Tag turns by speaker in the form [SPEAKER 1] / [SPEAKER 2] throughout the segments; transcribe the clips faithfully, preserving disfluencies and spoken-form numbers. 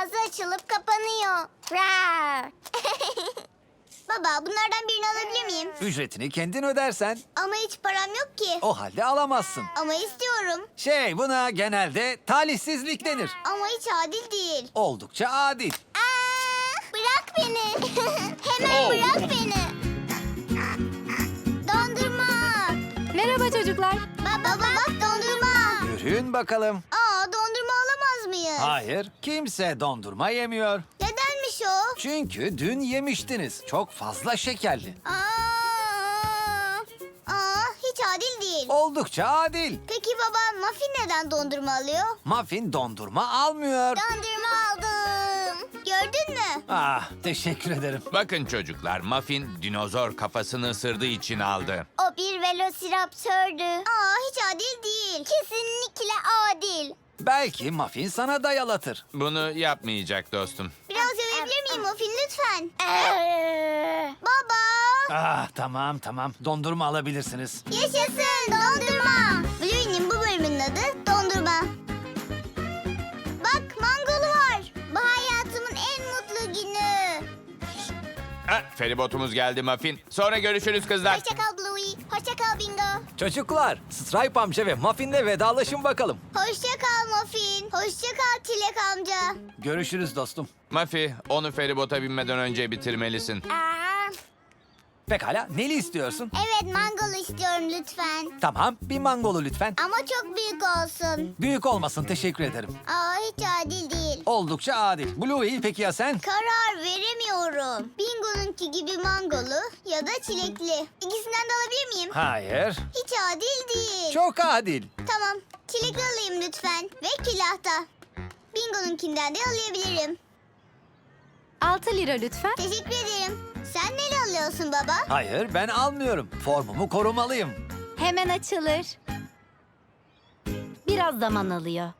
[SPEAKER 1] ağzı açılıp kapanıyor. Rar. Baba, bunlardan birini alabilir miyim?
[SPEAKER 2] Ücretini kendin ödersen.
[SPEAKER 1] Ama hiç param yok ki.
[SPEAKER 2] O halde alamazsın.
[SPEAKER 1] Ama istiyorum.
[SPEAKER 2] Şey, buna genelde talihsizlik denir.
[SPEAKER 1] Ama hiç adil değil.
[SPEAKER 2] Oldukça adil.
[SPEAKER 1] Aa, bırak beni. Hemen
[SPEAKER 2] Oh.
[SPEAKER 1] bırak beni. Dondurma.
[SPEAKER 3] Merhaba çocuklar.
[SPEAKER 1] Baba bak dondurma.
[SPEAKER 2] Yürüyün bakalım.
[SPEAKER 1] Aa, dondurma alamaz mıyız?
[SPEAKER 2] Hayır, kimse dondurma yemiyor.
[SPEAKER 1] Nedenmiş o?
[SPEAKER 2] Çünkü dün yemiştiniz. Çok fazla şekerli.
[SPEAKER 1] Aa, aa, hiç adil değil.
[SPEAKER 2] Oldukça adil.
[SPEAKER 1] Peki baba, Muffin neden dondurma alıyor?
[SPEAKER 2] Muffin dondurma almıyor.
[SPEAKER 1] Dondurma aldım. Gördün mü?
[SPEAKER 2] Ah, teşekkür ederim.
[SPEAKER 4] Bakın çocuklar, Muffin dinozor kafasını ısırdığı için aldı.
[SPEAKER 1] O bir velosiraptördü. Aa, hiç adil değil. Kesinlikle adil.
[SPEAKER 2] Belki Muffin sana dayalatır.
[SPEAKER 4] Bunu yapmayacak dostum.
[SPEAKER 1] Biraz övebilir miyim Muffin lütfen? Baba.
[SPEAKER 2] Ah, tamam tamam. Dondurma alabilirsiniz.
[SPEAKER 1] Yaşasın dondurma. Bluey'nin bu bölümünün adı dondurma. Bak, mangolu var. Bu hayatımın en mutlu günü.
[SPEAKER 4] Ha, feribotumuz geldi Muffin. Sonra görüşürüz kızlar.
[SPEAKER 1] Hoşça kal Bluey. Hoşça kal Bingo.
[SPEAKER 2] Çocuklar, Stripe amca ve Muffin'le vedalaşın bakalım.
[SPEAKER 1] Hoşça kal Muffin. Hoşça kal Çilek amca.
[SPEAKER 2] Görüşürüz dostum.
[SPEAKER 4] Muffin, onu feribota binmeden önce bitirmelisin.
[SPEAKER 1] Aa,
[SPEAKER 2] Pekala, neli istiyorsun?
[SPEAKER 1] evet, mangolu istiyorum lütfen.
[SPEAKER 2] Tamam, bir mangolu lütfen.
[SPEAKER 1] Ama çok büyük olsun.
[SPEAKER 2] Büyük olmasın, teşekkür ederim.
[SPEAKER 1] Aa, hiç adil değil.
[SPEAKER 2] Oldukça adil. Bluey, peki ya sen?
[SPEAKER 1] Karar veremiyorum. Bingo'nunki gibi mangolu ya da çilekli. İkisinden de alabilir miyim?
[SPEAKER 2] Hayır.
[SPEAKER 1] Hiç adil değil.
[SPEAKER 2] Çok adil.
[SPEAKER 1] Tamam, çilekli alayım lütfen. Ve külahta. Bingo'nunkinden de alabilirim.
[SPEAKER 3] Altı lira lütfen.
[SPEAKER 1] Teşekkür ederim. Sen neyle alıyorsun baba?
[SPEAKER 2] Hayır, ben almıyorum. Formumu korumalıyım.
[SPEAKER 3] Hemen açılır. Biraz zaman alıyor.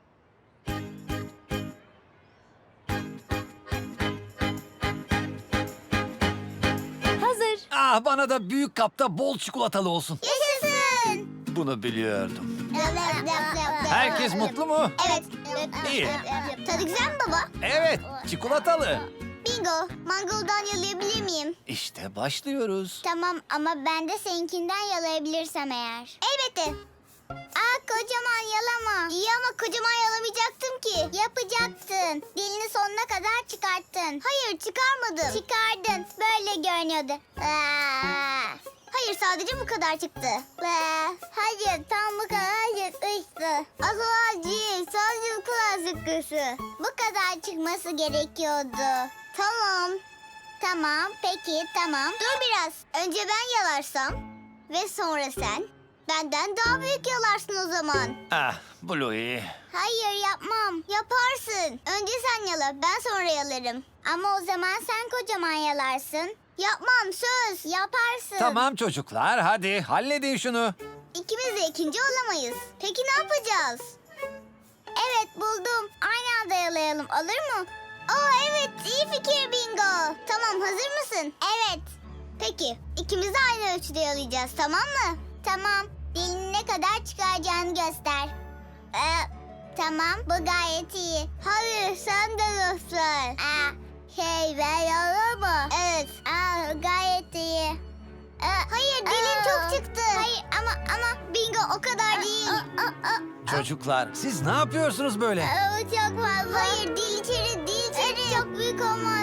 [SPEAKER 3] Hazır.
[SPEAKER 2] Ah, bana da büyük kapta bol çikolatalı olsun.
[SPEAKER 1] Yaşasın.
[SPEAKER 2] Bunu biliyordum.
[SPEAKER 1] Herkes
[SPEAKER 2] Herkes mutlu mu?
[SPEAKER 1] Evet.
[SPEAKER 2] İyi.
[SPEAKER 1] Tadı güzel mi baba?
[SPEAKER 2] Evet, çikolatalı.
[SPEAKER 1] Bingo, mangoldan yalayabilir miyim?
[SPEAKER 2] İşte başlıyoruz.
[SPEAKER 1] Tamam, ama ben de seninkinden yalayabilirsem eğer. Elbette. Aa, kocaman yalama. İyi ama kocaman yalamayacaktım ki. Yapacaktın. Dilini sonuna kadar çıkarttın. Hayır, çıkarmadım. Çıkardın. Böyle görünüyordu. Aa. Hayır, sadece bu kadar çıktı. Aa. Hayır, tam bu kadar çıkmıştı. Asıl değil, sadece bu kadar çıkmıştı. Bu kadar çıkması gerekiyordu. Tamam. Tamam, peki, tamam. Dur biraz. Önce ben yalarsam ve sonra sen. Benden daha büyük yalarsın o zaman.
[SPEAKER 2] Ah, Bluey.
[SPEAKER 1] Hayır, yapmam. Yaparsın. Önce sen yala, ben sonra yalarım. Ama o zaman sen kocaman yalarsın. Yapmam, söz. Yaparsın.
[SPEAKER 2] Tamam çocuklar, hadi halledin şunu.
[SPEAKER 1] İkimiz de ikinci olamayız. Peki ne yapacağız? Evet, buldum. Aynı anda yalayalım, olur mu? Aa, evet, iyi fikir Bingo. Tamam, hazır mısın? Evet. Peki, ikimiz de aynı ölçüde yalayacağız, tamam mı? Tamam. Dilini ne kadar çıkaracağını göster. Ee, tamam, bu gayet iyi. Hayır, sen de göster. Aa, şey, ben yalamam. Evet, aa, gayet iyi. Ee, hayır, dilin çok çıktı. Hayır, ama ama Bingo o kadar değil.
[SPEAKER 2] Çocuklar, siz ne yapıyorsunuz böyle?
[SPEAKER 1] Aa, çok fazla. Hayır, dil içeri, dil içeri. Çok büyük olmaz.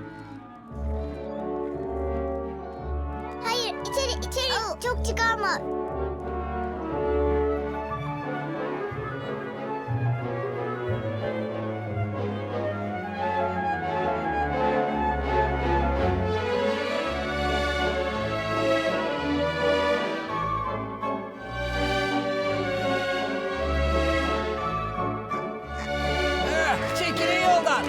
[SPEAKER 1] Hayır, içeri, içeri. Çok çıkarma.
[SPEAKER 2] Eh, çekilin yoldan.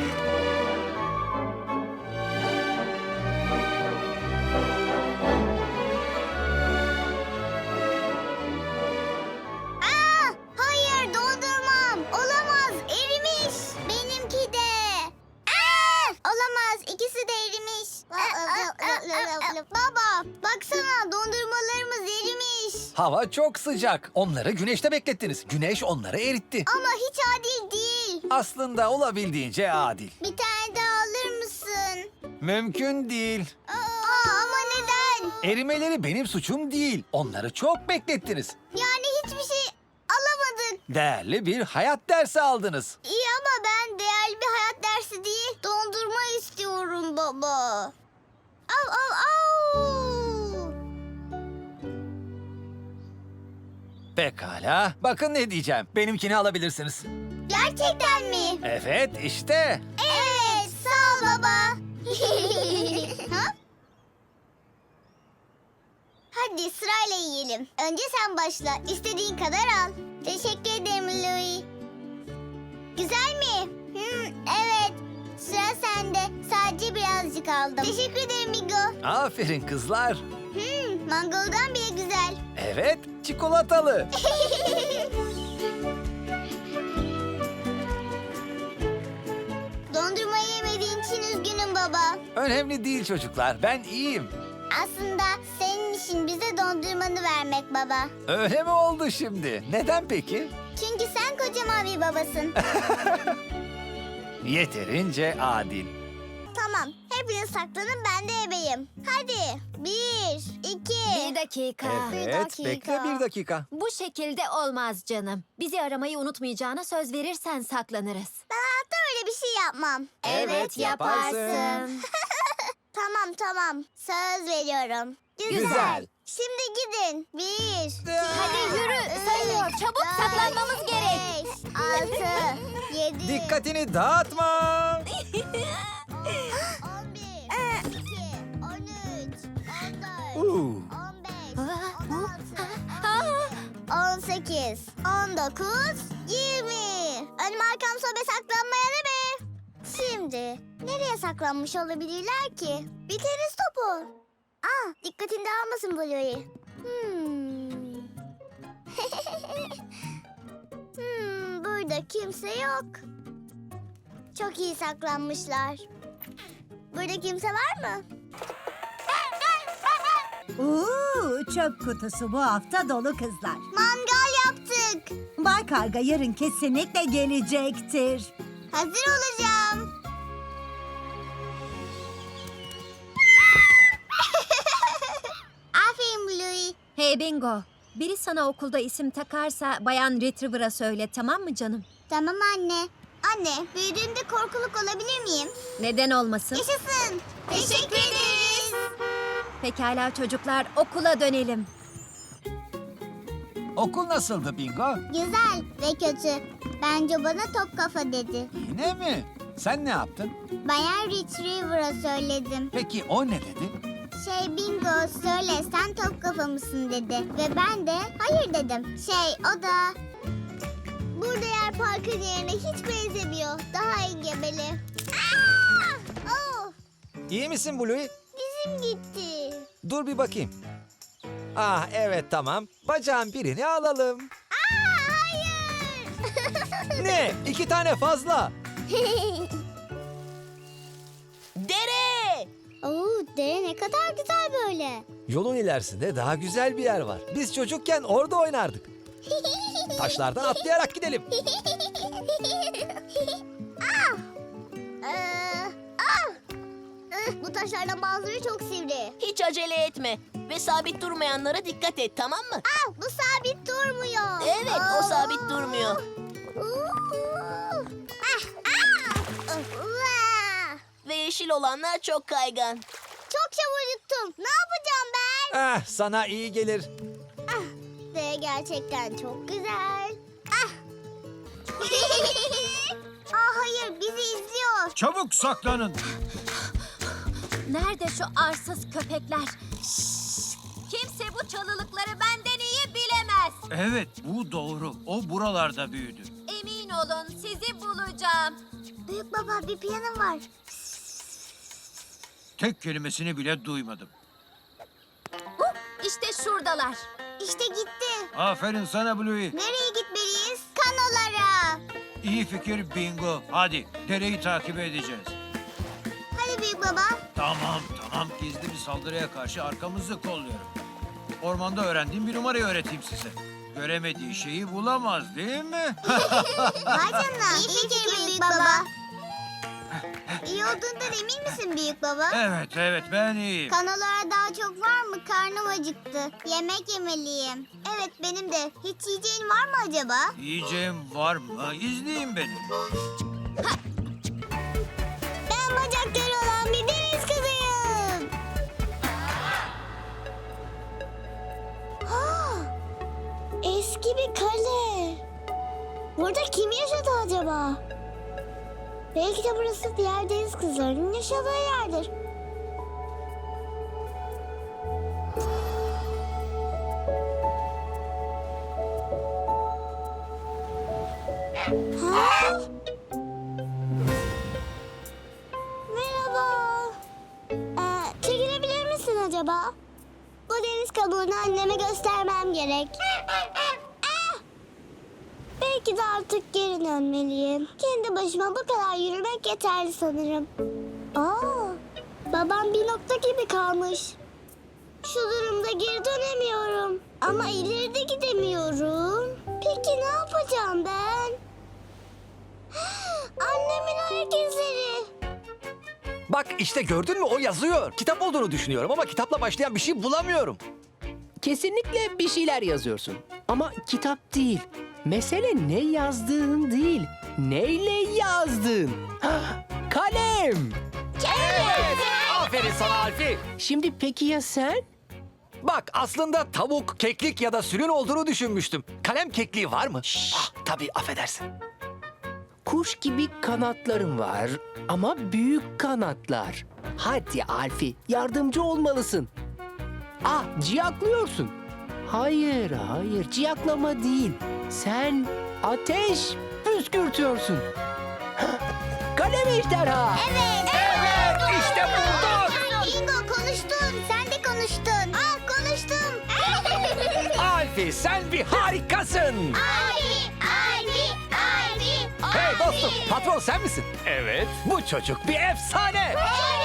[SPEAKER 1] Aa, hayır, dondurmam. Olamaz, erimiş. Benimki de. Aa, olamaz, ikisi de erimiş. Baba, baksana, dondurmalarımız erimiş.
[SPEAKER 2] Hava çok sıcak. Onları güneşte beklettiniz. Güneş onları eritti.
[SPEAKER 1] Ama hiç adil değil.
[SPEAKER 2] Aslında olabildiğince adil.
[SPEAKER 1] Bir tane
[SPEAKER 2] Mümkün değil.
[SPEAKER 1] Aa, ama neden?
[SPEAKER 2] Erimeleri benim suçum değil. Onları çok beklettiniz.
[SPEAKER 1] Yani hiçbir şey alamadık.
[SPEAKER 2] Değerli bir hayat dersi aldınız.
[SPEAKER 1] İyi ama ben değerli bir hayat dersi değil, dondurma istiyorum baba. Av av av.
[SPEAKER 2] Pekala. Bakın ne diyeceğim. Benimkini alabilirsiniz.
[SPEAKER 1] Gerçekten mi?
[SPEAKER 2] Evet, işte.
[SPEAKER 1] Evet, sağ ol baba. Ha? Hadi sırayla yiyelim. Önce sen başla. İstediğin kadar al. Teşekkür ederim Louie. Güzel mi? Hmm, evet. Sıra sende. Sadece birazcık aldım. Teşekkür ederim Migo.
[SPEAKER 2] Aferin kızlar.
[SPEAKER 1] Hmm, mangoldan bile güzel.
[SPEAKER 2] Evet, çikolatalı.
[SPEAKER 1] Dondurma yemediğin için üzgünüm baba.
[SPEAKER 2] Önemli değil çocuklar. Ben iyiyim.
[SPEAKER 1] Aslında senin işin bize dondurmanı vermek baba.
[SPEAKER 2] Öyle mi oldu şimdi? Neden peki?
[SPEAKER 1] Çünkü sen kocaman bir babasın.
[SPEAKER 2] Yeterince adil.
[SPEAKER 1] Tamam, hepiniz saklanın, ben de ebeyim. Hadi, bir, iki...
[SPEAKER 3] Bir dakika.
[SPEAKER 2] Evet,
[SPEAKER 1] dakika.
[SPEAKER 2] bekle bir dakika.
[SPEAKER 3] Bu şekilde olmaz canım. Bizi aramayı unutmayacağına söz verirsen saklanırız.
[SPEAKER 1] Ben hayatta öyle bir şey yapmam.
[SPEAKER 2] Evet, yaparsın.
[SPEAKER 1] Tamam, tamam. Söz veriyorum.
[SPEAKER 2] Güzel.
[SPEAKER 1] Şimdi gidin. Bir,
[SPEAKER 3] Hadi yürü, sayılıyor. Çabuk saklanmamız gerek.
[SPEAKER 1] Beş, altı, yedi...
[SPEAKER 2] Dikkatini dağıtma.
[SPEAKER 1] On bir, on iki, on üç, on dört,
[SPEAKER 2] Uuu.
[SPEAKER 1] on beş,
[SPEAKER 3] Aa,
[SPEAKER 1] on altı, on sekiz, on dokuz, yirmi. Önüm arkam sobe saklanmaya ne be? Şimdi nereye saklanmış olabilirler ki? Bir tenis topu. Aa, dikkatini dağılmasın Bluey. Hmm. hmm, burada kimse yok. Çok iyi saklanmışlar. Burada kimse var mı?
[SPEAKER 5] Oo, çöp kutusu bu hafta dolu kızlar.
[SPEAKER 1] Mangal yaptık.
[SPEAKER 5] Bay Karga yarın kesinlikle gelecektir.
[SPEAKER 1] Hazır olacağım. Aferin Bluey.
[SPEAKER 3] Hey Bingo. Biri sana okulda isim takarsa Bayan Retriever'a söyle, tamam mı canım?
[SPEAKER 1] Tamam anne. Anne, büyüdüğümde korkuluk olabilir miyim?
[SPEAKER 3] Neden olmasın?
[SPEAKER 1] Yaşasın. Teşekkür ederiz.
[SPEAKER 3] Pekala çocuklar, okula dönelim.
[SPEAKER 2] Okul nasıldı Bingo?
[SPEAKER 1] Güzel ve kötü. Bence bana top kafa dedi.
[SPEAKER 2] Yine mi? Sen ne yaptın?
[SPEAKER 1] Bayan Retriever'a söyledim.
[SPEAKER 2] Peki o ne dedi?
[SPEAKER 1] Şey Bingo söyle sen top kafa mısın dedi. Ve ben de hayır dedim. Şey o da... Burada yer parkın yerine hiç benzemiyor. Daha engebeli. Aa! Oh!
[SPEAKER 2] İyi misin Bluey?
[SPEAKER 1] Dizim gitti.
[SPEAKER 2] Dur bir bakayım. Ah evet tamam. Bacağın birini alalım.
[SPEAKER 1] Aa, hayır.
[SPEAKER 2] Ne? İki tane fazla.
[SPEAKER 1] Dere. Oo, dere ne kadar güzel böyle.
[SPEAKER 2] Yolun ilerisinde daha güzel bir yer var. Biz çocukken orada oynardık. Taşlardan atlayarak gidelim.
[SPEAKER 1] ah! Ee, ah! Ih, bu taşlardan bazıları çok sivri.
[SPEAKER 6] Hiç acele etme ve sabit durmayanlara dikkat et, tamam mı?
[SPEAKER 1] Ah, bu sabit durmuyor.
[SPEAKER 6] Evet, o sabit durmuyor.
[SPEAKER 1] Uhu. Ah, ah! Uva!
[SPEAKER 6] Ve yeşil olanlar çok kaygan.
[SPEAKER 1] Çok çabuk yuttum. Ne yapacağım ben?
[SPEAKER 2] Ah sana iyi gelir.
[SPEAKER 1] Ah, de gerçekten çok güzel. Ah. ah hayır, bizi izliyor.
[SPEAKER 7] Çabuk saklanın.
[SPEAKER 3] Nerede şu arsız köpekler? Şşş! Kimse bu çalılıkları benden iyi bilemez.
[SPEAKER 7] Evet, bu doğru. O buralarda büyüdü.
[SPEAKER 3] Emin olun, sizi bulacağım.
[SPEAKER 1] Büyük baba, bir piyano var.
[SPEAKER 7] Tek kelimesini bile duymadım.
[SPEAKER 3] Huh, işte şuradalar.
[SPEAKER 1] İşte gitti.
[SPEAKER 7] Aferin sana Bluey.
[SPEAKER 1] Nereye gitmeliyiz? Kanolara.
[SPEAKER 7] İyi fikir Bingo. Hadi dereyi takip edeceğiz.
[SPEAKER 1] Hadi büyük baba.
[SPEAKER 7] Tamam tamam, gizli bir saldırıya karşı arkamızı kolluyorum. Ormanda öğrendiğim bir numarayı öğreteyim size. Göremediği şeyi bulamaz değil mi?
[SPEAKER 1] Vay canına. İyi fikir büyük baba. İyi İyi olduğundan emin misin büyük baba?
[SPEAKER 7] Evet evet ben iyiyim.
[SPEAKER 1] Kanalara daha çok var mı? Karnım acıktı. Yemek yemeliyim. Evet benim de. Hiç yiyeceğin var mı acaba?
[SPEAKER 7] Yiyeceğim var mı? İzleyin beni.
[SPEAKER 1] Ben bacakları olan bir deniz kızıyım. Ha, eski bir kale. Burada kim yaşadı acaba? Belki de burası diğer deniz kızlarının yaşadığı yerdir. Ha? Merhaba. Ee, çekilebilir misin acaba? Bu deniz kabuğunu anneme göstermem gerek. Ah! Belki de artık geri dönmeliyim. Kendi başıma bu kadar yürümek yeterli sanırım. Aa, babam bir nokta gibi kalmış. Şu durumda geri dönemiyorum. Ama ileride gidemiyorum. Peki ne yapacağım ben? Annemin ayak izleri.
[SPEAKER 2] Bak işte gördün mü o yazıyor. Kitap olduğunu düşünüyorum ama kitapla başlayan bir şey bulamıyorum.
[SPEAKER 8] Kesinlikle bir şeyler yazıyorsun. Ama kitap değil. Mesele ne yazdığın değil. Neyle yazdın? Hah, kalem.
[SPEAKER 2] Evet. Aferin sana Alfi.
[SPEAKER 8] Şimdi peki ya sen?
[SPEAKER 2] Bak aslında tavuk, keklik ya da sülün olduğunu düşünmüştüm. Kalem kekliği var mı? Ah, tabii affedersin.
[SPEAKER 8] Kuş gibi kanatların var ama büyük kanatlar. Hadi Alfi, yardımcı olmalısın. Ah, ciyaklıyorsun. Hayır, hayır, ciyaklama değil. Sen ateş püskürtüyorsun. Kalem ejderha.
[SPEAKER 1] Evet.
[SPEAKER 2] Evet, işte bulduk.
[SPEAKER 1] Bingo konuştun. Sen de konuştun. Ah konuştum.
[SPEAKER 2] Alfi sen bir harikasın.
[SPEAKER 1] Abi, abi, abi.
[SPEAKER 2] Hey dostum, patron sen misin? Evet. Bu çocuk bir efsane.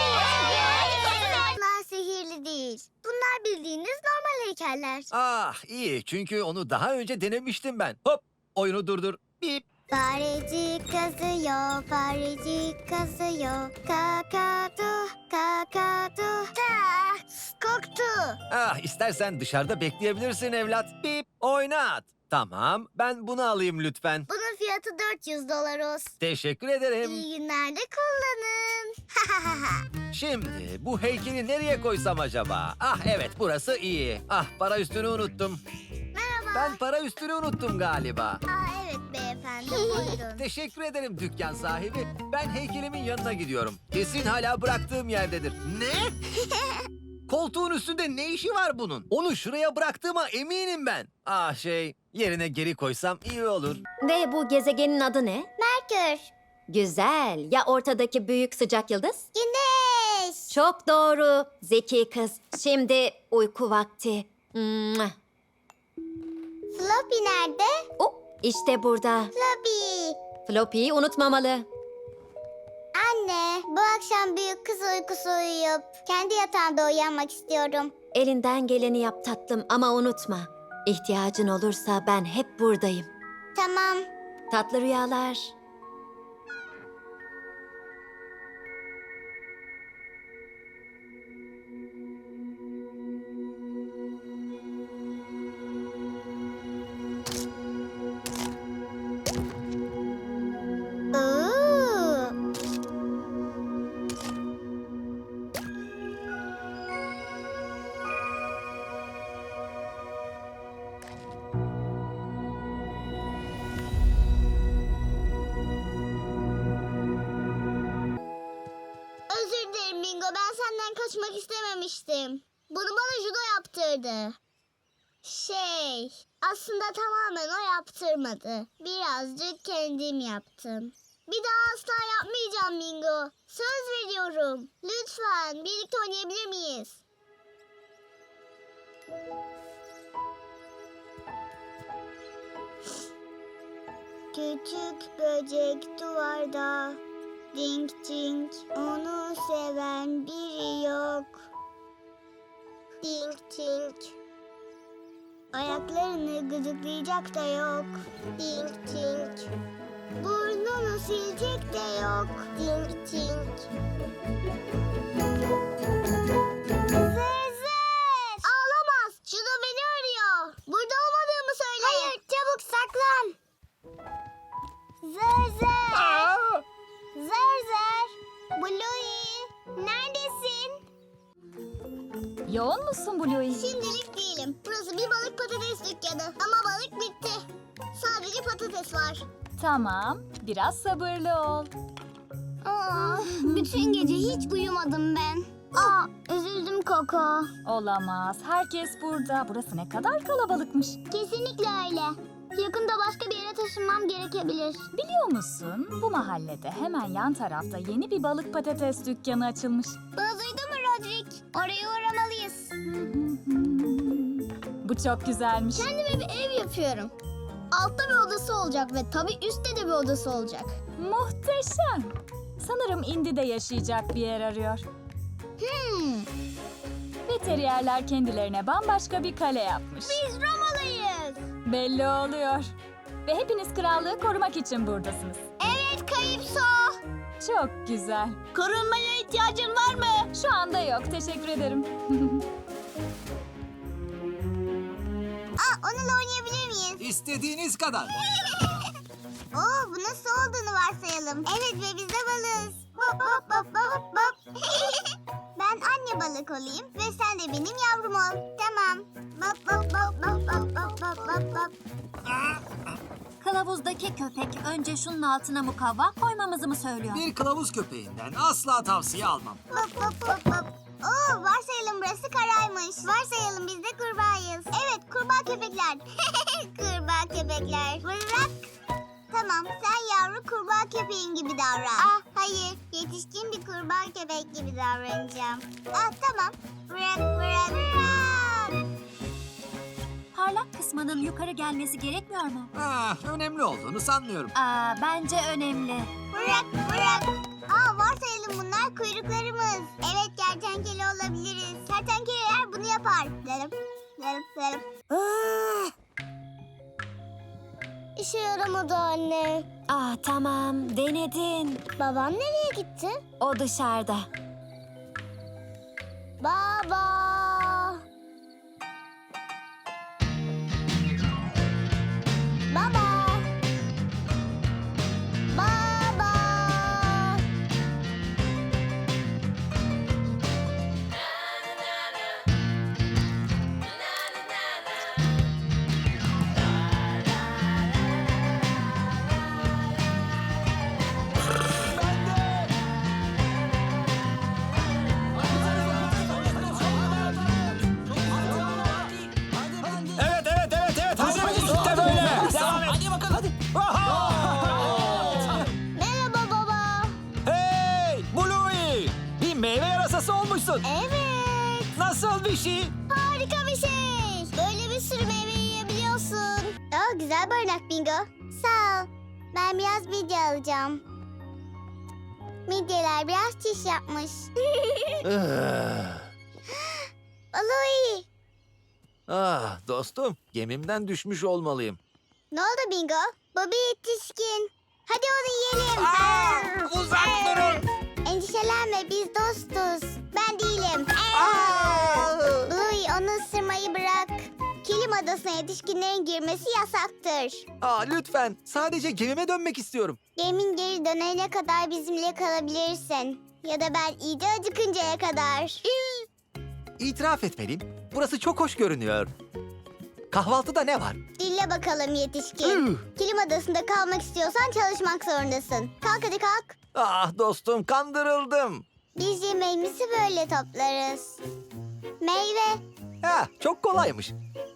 [SPEAKER 1] Bunlar sihirli değil. Bunlar bildiğiniz normal heykeller.
[SPEAKER 2] Ah iyi çünkü onu daha önce denemiştim ben. Hop oyunu durdur. Bip.
[SPEAKER 1] Farecik kazıyor, farecik kazıyor. Kakadu, kakadu. Ta, koktu.
[SPEAKER 2] Ah istersen dışarıda bekleyebilirsin evlat. Bip oynat. Tamam ben bunu alayım lütfen.
[SPEAKER 1] Bunun fiyatı dört yüz dolar olsun.
[SPEAKER 2] Teşekkür ederim.
[SPEAKER 1] İyi günlerde kullanın.
[SPEAKER 2] Şimdi bu heykeli nereye koysam acaba? Ah evet burası iyi. Ah para üstünü unuttum.
[SPEAKER 1] Merhaba.
[SPEAKER 2] Ben para üstünü unuttum galiba.
[SPEAKER 1] Aa, evet beyefendi buyurun.
[SPEAKER 2] Teşekkür ederim dükkan sahibi. Ben heykelimin yanına gidiyorum. Kesin hala bıraktığım yerdedir. Ne? Koltuğun üstünde ne işi var bunun? Onu şuraya bıraktığıma eminim ben. Ah şey yerine geri koysam iyi olur.
[SPEAKER 3] Ve bu gezegenin adı ne?
[SPEAKER 1] Merkür.
[SPEAKER 3] Güzel. Ya ortadaki büyük sıcak yıldız?
[SPEAKER 1] Güneş.
[SPEAKER 3] Çok doğru. Zeki kız. Şimdi uyku vakti. Mua.
[SPEAKER 1] Floppy nerede?
[SPEAKER 3] Oh, işte burada.
[SPEAKER 1] Floppy.
[SPEAKER 3] Floppy'yi unutmamalı.
[SPEAKER 1] Anne, bu akşam büyük kız uykusu uyuyup kendi yatağında uyanmak istiyorum.
[SPEAKER 3] Elinden geleni yap tatlım ama unutma. İhtiyacın olursa ben hep buradayım.
[SPEAKER 1] Tamam.
[SPEAKER 3] Tatlı rüyalar.
[SPEAKER 1] Oo. Özür dilerim Bingo. Ben senden kaçmak istememiştim. Bunu bana judo yaptırdı. Şey, aslında tamamen o yaptırmadı. Birazcık kendim yaptım. Bir daha asla yapmayacağım Bingo. Söz veriyorum. Lütfen birlikte oynayabilir miyiz? Küçük böcek duvarda. Ding ding, onu seven biri yok. Ding ding. Ayaklarını gıdıklayacak da yok. Ding ding. Burnunu silecek de yok. Tink tink. Zezet! Ağlamaz. Şunu beni arıyor. Burada olmadığımı söyle. Hayır, çabuk saklan. Zezet! Zerzer! Bluey! Neredesin?
[SPEAKER 3] Yoğun musun Bluey?
[SPEAKER 1] Şimdilik değilim. Burası bir balık patates dükkanı. Ama balık bitti. Sadece patates var.
[SPEAKER 3] Tamam, biraz sabırlı ol.
[SPEAKER 1] Aa, bütün gece hiç uyumadım ben. Aa, üzüldüm Koko.
[SPEAKER 3] Olamaz, herkes burada. Burası ne kadar kalabalıkmış.
[SPEAKER 1] Kesinlikle öyle. Yakında başka bir yere taşınmam gerekebilir.
[SPEAKER 3] Biliyor musun, bu mahallede hemen yan tarafta yeni bir balık patates dükkanı açılmış.
[SPEAKER 1] Bunu duydun mu Rodrik? Oraya uğramalıyız.
[SPEAKER 3] Bu çok güzelmiş.
[SPEAKER 1] Kendime bir ev yapıyorum. Altta bir odası olacak ve tabii üstte de bir odası olacak.
[SPEAKER 3] Muhteşem. Sanırım Indy'de yaşayacak bir yer arıyor.
[SPEAKER 1] Hmm,
[SPEAKER 3] Ve teriyerler kendilerine bambaşka bir kale yapmış.
[SPEAKER 1] biz Romalıyız.
[SPEAKER 3] Belli oluyor. Ve hepiniz krallığı korumak için buradasınız.
[SPEAKER 1] Evet Kayıpso.
[SPEAKER 3] Çok güzel.
[SPEAKER 6] Korunmaya ihtiyacın var mı?
[SPEAKER 3] Şu anda yok, teşekkür ederim.
[SPEAKER 1] Aa, onunla oynayabilir miyiz?
[SPEAKER 2] İstediğiniz kadar.
[SPEAKER 1] Oo, bu nasıl olduğunu varsayalım. Evet ve biz de balığız. Hop hop hop hop hop. Ben anne balık olayım ve sen de benim yavrum ol. Tamam. Hop hop hop hop hop hop hop hop hop.
[SPEAKER 3] Kılavuzdaki köpek önce şunun altına mukavva koymamızı mı söylüyor?
[SPEAKER 2] Bir kılavuz köpeğinden asla tavsiye almam.
[SPEAKER 1] Hop hop hop hop. Oo, varsayalım burası karaymış. Varsayalım biz de kurbağayız. Evet, kurbağa köpekler. Kurbağa köpekler. Bırak. Tamam, sen yavru kurbağa köpeğin gibi davran. Ah, hayır. Yetişkin bir kurbağa köpek gibi davranacağım. Ah, tamam. Bırak, bırak, bırak.
[SPEAKER 3] Parlak kısmının yukarı gelmesi gerekmiyor mu?
[SPEAKER 2] Ah, önemli olduğunu sanmıyorum.
[SPEAKER 3] Aa, bence önemli.
[SPEAKER 1] Bırak, bırak. Aa, varsayalım bunlar kuyruklarımız. Evet, kertenkele olabiliriz. Kertenkeleler bunu yapar. Derim, derim, derim. İşe yaramadı anne.
[SPEAKER 3] Ah tamam, denedin.
[SPEAKER 1] Babam nereye gitti?
[SPEAKER 3] O dışarıda.
[SPEAKER 1] Baba. Baba. Baba.
[SPEAKER 2] Evet, evet, evet, evet. Hazır işte böyle. Devam et.
[SPEAKER 6] Hadi bakalım.
[SPEAKER 1] Merhaba baba.
[SPEAKER 2] Hey, Bluey. Bir meyve yarasası olmuşsun.
[SPEAKER 1] Evet.
[SPEAKER 2] Nasıl bir şey?
[SPEAKER 1] Harika bir şey. Böyle bir sürü meyve yiyebiliyorsun. Aa, güzel barınak Bingo. Sağ ol. Ben biraz midye alacağım. Midyeler biraz çiş yapmış. Aloy.
[SPEAKER 2] Ah, dostum, gemimden düşmüş olmalıyım.
[SPEAKER 1] Ne oldu Bingo? Bobby yetişkin. Hadi onu yiyelim.
[SPEAKER 2] Uzak durun.
[SPEAKER 1] Endişelenme, biz dostuz. Ben değilim. Bluey, onu ısırmayı bırak. Kilim adasına yetişkinlerin girmesi yasaktır.
[SPEAKER 2] Aa, lütfen, sadece gemime dönmek istiyorum.
[SPEAKER 1] Gemin geri dönene kadar bizimle kalabilirsin. Ya da ben iyice acıkıncaya kadar.
[SPEAKER 2] İtiraf etmeliyim, burası çok hoş görünüyor. Kahvaltıda ne var?
[SPEAKER 1] Dinle bakalım yetişkin.
[SPEAKER 2] Üh.
[SPEAKER 1] Kilim adasında kalmak istiyorsan çalışmak zorundasın. Kalk hadi kalk.
[SPEAKER 2] Ah dostum, kandırıldım.
[SPEAKER 1] Biz yemeğimizi böyle toplarız. Meyve.
[SPEAKER 2] Ha, çok kolaymış.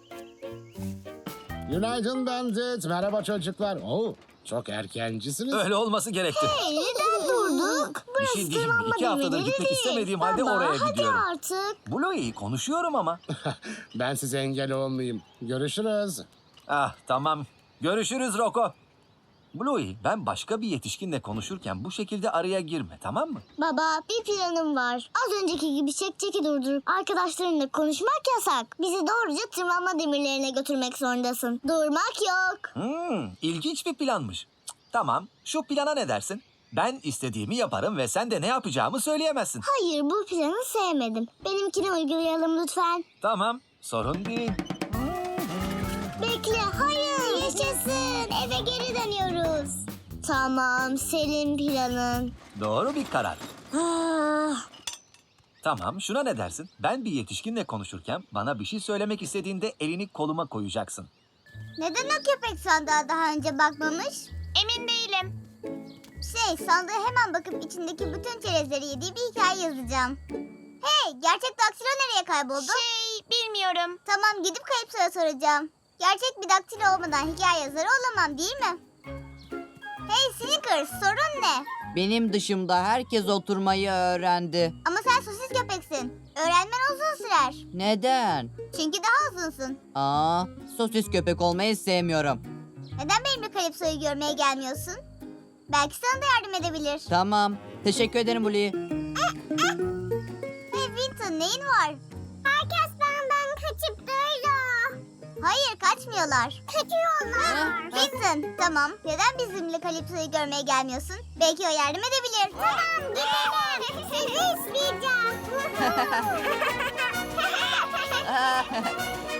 [SPEAKER 9] Günaydın Bandit. Merhaba çocuklar. Oo, çok erkencisiniz.
[SPEAKER 2] Öyle olması gerekti.
[SPEAKER 1] Hey, neden durduk?
[SPEAKER 2] Bir şey diyeyim mi? İki haftadır gitmek istemediğim halde
[SPEAKER 1] Baba,
[SPEAKER 2] oraya
[SPEAKER 1] hadi
[SPEAKER 2] gidiyorum.
[SPEAKER 1] artık.
[SPEAKER 2] Bluey, konuşuyorum ama.
[SPEAKER 9] Ben size engel olmayayım. Görüşürüz.
[SPEAKER 2] Ah, tamam. Görüşürüz Roko. Bluey, ben başka bir yetişkinle konuşurken bu şekilde araya girme, tamam mı?
[SPEAKER 1] Baba, bir planım var. Az önceki gibi çek çeki durdurup arkadaşlarınla konuşmak yasak. Bizi doğruca tırmanma demirlerine götürmek zorundasın. Durmak yok.
[SPEAKER 2] Hmm, ilginç bir planmış. Cık, tamam, şu plana ne dersin? Ben istediğimi yaparım ve sen de ne yapacağımı söyleyemezsin.
[SPEAKER 1] Hayır, bu planı sevmedim. Benimkini uygulayalım lütfen.
[SPEAKER 2] Tamam, sorun değil.
[SPEAKER 1] Bekle, hayır. Yaşasın, eve geri dönüyoruz. Tamam, senin planın.
[SPEAKER 2] Doğru bir karar.
[SPEAKER 1] Ah,
[SPEAKER 2] Tamam, şuna ne dersin? Ben bir yetişkinle konuşurken bana bir şey söylemek istediğinde elini koluma koyacaksın.
[SPEAKER 1] neden o köpek sandığa daha önce bakmamış? Emin değilim. Şey, sandığa hemen bakıp içindeki bütün çerezleri yediği bir hikaye yazacağım. Hey, gerçek daktilo nereye kayboldu? Şey, bilmiyorum. Tamam, gidip Kayıpso'ya soracağım. Gerçek bir daktilo olmadan hikaye yazarı olamam, değil mi? Hey Snickers, sorun ne?
[SPEAKER 10] Benim dışımda herkes oturmayı öğrendi.
[SPEAKER 1] Ama sen sosis köpeksin. Öğrenmen uzun sürer.
[SPEAKER 10] Neden?
[SPEAKER 1] Çünkü daha uzunsun.
[SPEAKER 10] Aa, sosis köpek olmayı sevmiyorum.
[SPEAKER 1] Neden benimle Kalipso'yu görmeye gelmiyorsun? Belki sana da yardım edebilir.
[SPEAKER 10] Tamam. Teşekkür ederim Bluey.
[SPEAKER 1] Hey Winton, neyin var? Herkes benden kaçıp duruyor. Hayır, kaçmıyorlar. Kaçıyorlar. Winton, tamam. Neden bizimle Kalipso'yu görmeye gelmiyorsun? Belki o yardım edebilir. Tamam, gidelim. Sizi isteyeceğim.